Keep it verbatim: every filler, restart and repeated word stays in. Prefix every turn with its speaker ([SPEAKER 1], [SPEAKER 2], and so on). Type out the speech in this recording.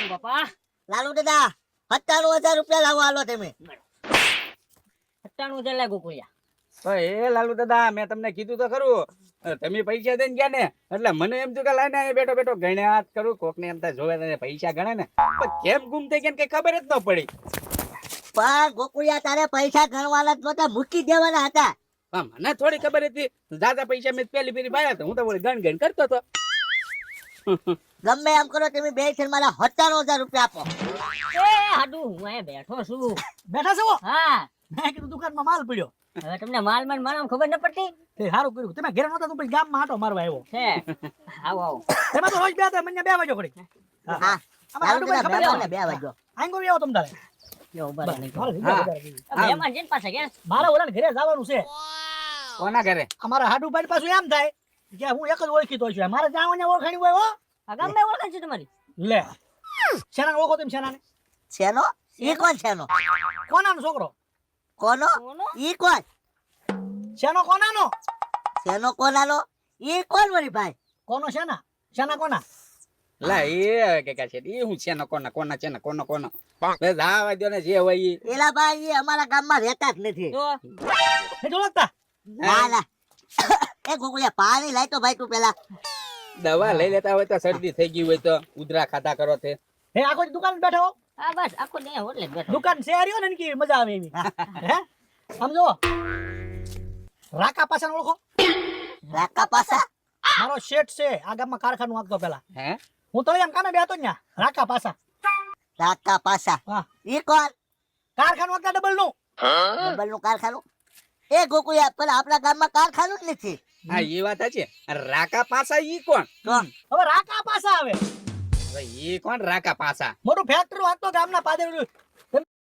[SPEAKER 1] બાપા
[SPEAKER 2] લાલુ દાદા સત્તાણું હજાર રૂપિયા લાવો હાલો તમે.
[SPEAKER 1] સત્તાણું હજાર લાગુ કોયા
[SPEAKER 3] તો એ લાલુ દાદા મેં તમને કીધું તો ખરું તમે પૈસા દઈને ગયા ને એટલે મને એમ થયું કે લાઈને અહીંયા બેઠો બેઠો ગણ્યા જ કરું કોક ને એમ થાય જોવે તને પૈસા ગણે ને પણ કેમ ગુમ થઈ ગયા ને કઈ ખબર જ ન પડી.
[SPEAKER 2] પણ ગોકુળિયા તારે પૈસા ગણવાના જ નહોતા, મૂકી દેવાના હતા.
[SPEAKER 3] હા, મને થોડી ખબર હતી દાદા પૈસા મેં પેલી ફેરી ભાયા હતા હું તો બોલી ગણ ગણ કરતો હતો.
[SPEAKER 2] ગમે એમ કરો તમે બે છે મારા સત્તાણું હજાર રૂપિયા આપો.
[SPEAKER 1] એ હાડુ હું અહીંયા બેઠો છું.
[SPEAKER 4] બેઠા છો?
[SPEAKER 1] હા
[SPEAKER 4] મેં કીધું દુકાનમાં માલ પડ્યો.
[SPEAKER 1] હવે તમને માલ માં મારા ખબર ન પડતી
[SPEAKER 4] તે સારું કર્યું. તમે ઘરે નહોતા તો પછી ગામમાં આટો મારવા આવ્યો.
[SPEAKER 1] છે આવો આવો
[SPEAKER 4] એમાં તો રોજ બે હતા મને બે વાગ્યો ઘડી.
[SPEAKER 2] હા લાલુ દાદા બે વાગ્યા, બે વાગ્યો.
[SPEAKER 4] આંગો આવ્યો તમ તારે.
[SPEAKER 1] યો ઉભા રહો નહીં.
[SPEAKER 4] મારે જગ્યા વધારે કીધી.
[SPEAKER 1] આ મહેમાન જેન પાસે ગયા
[SPEAKER 4] મારે ઓલાને ઘરે જવાનું છે.
[SPEAKER 3] કોના ઘરે?
[SPEAKER 4] અમારા હાડુભાઈ પાછું એમ થાય કે હું એક જ ઓળખીતો છું. મારે જવાની ઓળખાણી હોય હો.
[SPEAKER 1] આ ગામમાં ઓળખાણ છે તમારી
[SPEAKER 4] લે શેનાને ઓળખો તમે શેનાને?
[SPEAKER 2] શેનો? ઈ કોણ શેનો?
[SPEAKER 4] કોનાનો છોકરો?
[SPEAKER 2] કોનો?
[SPEAKER 1] કોનો
[SPEAKER 2] ઈ કોણ?
[SPEAKER 4] શેનો કોનાનો?
[SPEAKER 2] શેનો કોનાનો? ઈ કોણ વળી ભાઈ?
[SPEAKER 4] કોનો શેના? શેના કોના?
[SPEAKER 3] લા એ કે કે છે એ હું છે ને કોના કોના છે ને કોનો કોનો બે જાવા દો ને જે હોય ઈ.
[SPEAKER 2] એલા ભાઈ ઈ અમારા ગામમાં રહેતા જ નથી.
[SPEAKER 1] જો
[SPEAKER 4] નથી ઓળખતા?
[SPEAKER 2] ના ના એ ગોકુળિયા પાણી લાય તો ભાઈ તું પેલા.
[SPEAKER 3] દવા લઈ લેતા હોય તો શરદી થઈ ગઈ હોય તો ઉધરા ખાતા કરો તે
[SPEAKER 4] હે આખો દી દુકાન બેઠો હો?
[SPEAKER 1] આ બસ આખો દે હોટલે જ બેઠો
[SPEAKER 4] દુકાન છે રહ્યો ને કે મજા આવે એવી. હે સમજો રાકા પાછા ઓળખો?
[SPEAKER 2] રાકા પાસા?
[SPEAKER 4] મારો શેઠ છે આ ગામમાં કારખાનું આપતો પેલા.
[SPEAKER 3] હે
[SPEAKER 4] હું તો એમ કામે બેઠો ન્યા રાકા પાછા.
[SPEAKER 2] રાકા પાસા
[SPEAKER 4] હા
[SPEAKER 2] ઈ કોણ?
[SPEAKER 4] કારખાનું આપતા ડબલ નું.
[SPEAKER 2] ડબલ નું કારખાનું? એ ગોકુળિયા પણ આપણા ગામમાં કારખાનું જ નથી.
[SPEAKER 3] હા એ વાત છે. રાકા પાસા ઈ કોણ?
[SPEAKER 2] તો
[SPEAKER 4] હવે રાકા પાછા આવે
[SPEAKER 3] હવે ઈ કોણ રાકા પાસા?
[SPEAKER 4] મોટું ફેક્ટરી વાંચતો ગામના પાદે